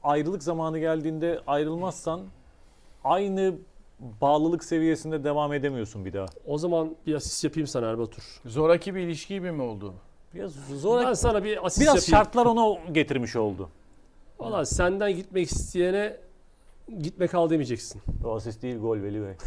ayrılık zamanı geldiğinde ayrılmazsan aynı bağlılık seviyesinde devam edemiyorsun bir daha. O zaman bir asist yapayım sana Erbatur. Zoraki bir ilişki gibi mi oldu? Biraz zor. Ben sana bir asist Biraz yapayım. şartlar ona getirmiş oldu. Valla senden gitmek isteyene gitme kal demeyeceksin. O asist değil, gol Veli Bey.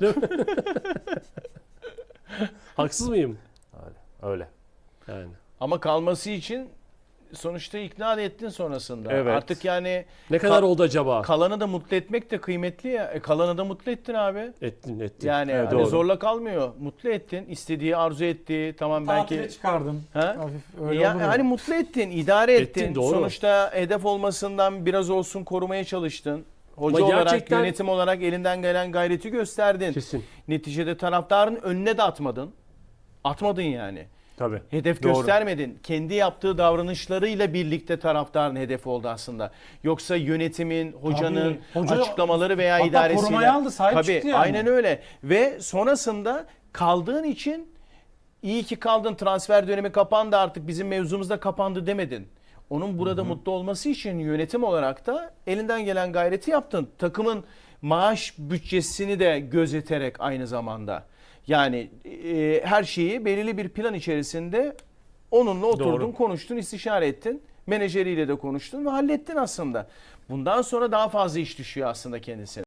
Haksız mıyım? Öyle. Yani. Ama kalması için sonuçta ikna ettin sonrasında. Evet. Artık yani Ne kadar oldu acaba? kalanı da mutlu etmek de kıymetli ya. Kalanı da mutlu ettin abi. Ettin. Yani Evet, hani doğru. zorla kalmıyor. Mutlu ettin. İstediği, arzu ettiği. Tamam Tatile belki. çıkardın. Ha? Hafif öyle Ya, olur ya. hani mutlu ettin, idare ettin. Ettin, doğru. Sonuçta hedef olmasından biraz olsun korumaya çalıştın. Hoca Ama olarak, gerçekten- yönetim olarak elinden gelen gayreti gösterdin. Kesin. Neticede taraftarın önüne de atmadın. Atmadın yani. Tabii. Hedef Doğru. göstermedin. Kendi yaptığı davranışlarıyla birlikte taraftarın hedefi oldu aslında. Yoksa yönetimin, hocanın Tabii. Hoca- açıklamaları veya hatta idaresiyle. korumaya aldı, sahip Tabii, çıktı yani. aynen öyle. Ve sonrasında kaldığın için iyi ki kaldın, transfer dönemi kapandı, artık bizim mevzumuz da kapandı demedin. Onun burada mutlu olması için yönetim olarak da elinden gelen gayreti yaptın. Takımın maaş bütçesini de gözeterek aynı zamanda. Yani her şeyi belirli bir plan içerisinde onunla oturdun, Doğru. konuştun, istişare ettin. Menajeriyle de konuştun ve hallettin aslında. Bundan sonra daha fazla iş düşüyor aslında kendisine.